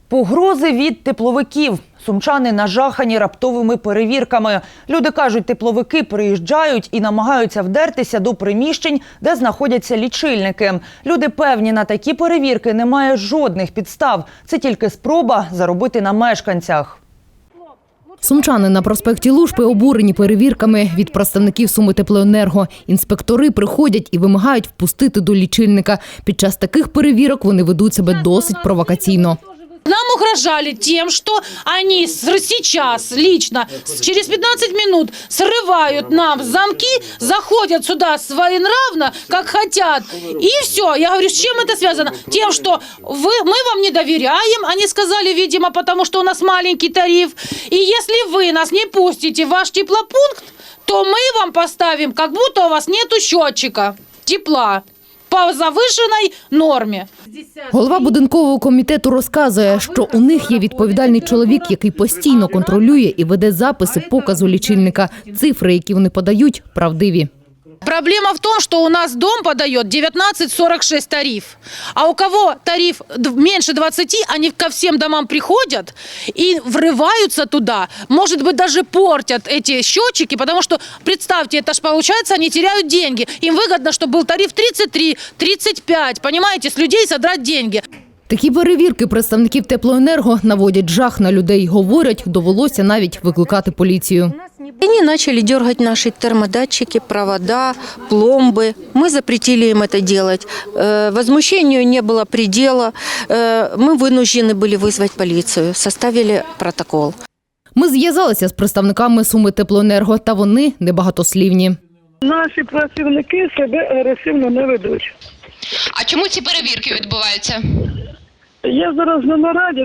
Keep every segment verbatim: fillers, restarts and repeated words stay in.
Погрози від тепловиків. Сумчани нажахані раптовими перевірками. Люди кажуть, тепловики приїжджають і намагаються вдертися до приміщень, де знаходяться лічильники. Люди певні, на такі перевірки немає жодних підстав. Це тільки спроба заробити на мешканцях. Сумчани на проспекті Лужпи обурені перевірками від представників Сумитеплоенерго. Інспектори приходять і вимагають впустити до лічильника. Під час таких перевірок вони ведуть себе досить провокаційно. Нам угрожали тем, что они сейчас лично через пятнадцать минут срывают нам замки, заходят сюда своенравно, как хотят. И все. Я говорю, с чем это связано? Тем, что вы, мы вам не доверяем, они сказали, видимо, потому что у нас маленький тариф. И если вы нас не пустите в ваш теплопункт, то мы вам поставим, как будто у вас нету счетчика тепла по завишеній нормі. Голова будинкового комітету розказує, що у них є відповідальний чоловік, який постійно контролює і веде записи показу лічильника. Цифри, які вони подають, правдиві. Проблема в том, что у нас дом подает девятнадцать сорок шесть тариф. А у кого тариф меньше двадцати, они ко всем домам приходят и врываются туда. Может быть, даже портят эти счетчики, потому что, представьте, это ж получается, они теряют деньги. Им выгодно, чтобы был тариф тридцать три тридцать пять, понимаете, с людей содрать деньги. Такі перевірки представників Теплоенерго наводять жах на людей. Говорять, довелося навіть викликати поліцію. Они начали дергать наши термодатчики, провода, пломбы. Мы запретили им это делать. Возмущению не было предела. Мы вынуждены были вызвать полицию, составили протокол. Ми зв'язалися з представниками Сумитеплоенерго, та вони небагатослівні. Наші працівники себе агресивно не ведуть. А чому ці перевірки відбуваються? Я зараз на нараді.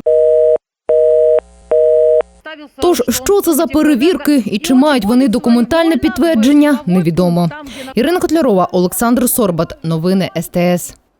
Тож, що це за перевірки і чи мають вони документальне підтвердження, невідомо. Ірина Котлярова, Олександр Сорбат. Новини ес те ес.